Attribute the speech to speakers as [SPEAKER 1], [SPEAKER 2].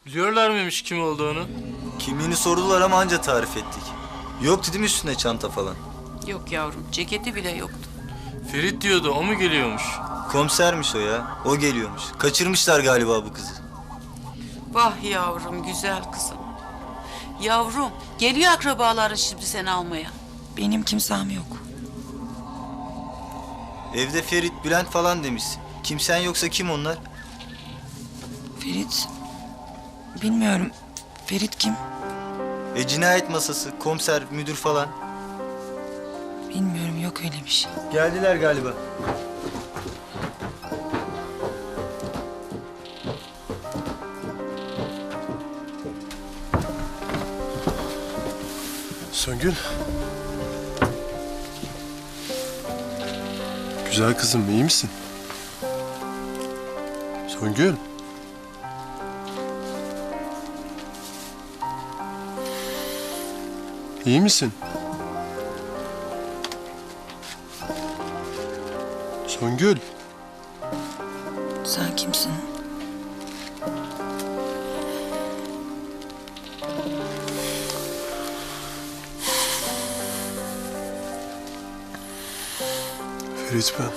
[SPEAKER 1] Biliyorlar mıymış kim olduğunu?
[SPEAKER 2] Kimliğini sordular ama anca tarif ettik. Yoktu değil mi üstünde çanta falan?
[SPEAKER 3] Yok yavrum, ceketi bile yoktu.
[SPEAKER 1] Ferit diyordu, o mu geliyormuş?
[SPEAKER 2] Komisermiş o ya. O geliyormuş. Kaçırmışlar galiba bu kızı.
[SPEAKER 3] Vah yavrum, güzel kızım. Yavrum, geliyor akrabaların şimdi seni almaya.
[SPEAKER 4] Benim kimsem yok.
[SPEAKER 2] Evde Ferit, Bülent falan demişsin. Kimsen yoksa kim onlar?
[SPEAKER 4] Ferit... Bilmiyorum. Ferit kim?
[SPEAKER 2] Cinayet masası, komiser, müdür falan.
[SPEAKER 4] Bilmiyorum, yok öyle bir şey.
[SPEAKER 2] Geldiler galiba.
[SPEAKER 5] Söngül. Güzel kızım, iyi misin? Söngül. İyi misin? Söngül.
[SPEAKER 4] Sen kimsin?
[SPEAKER 5] Ferit ben.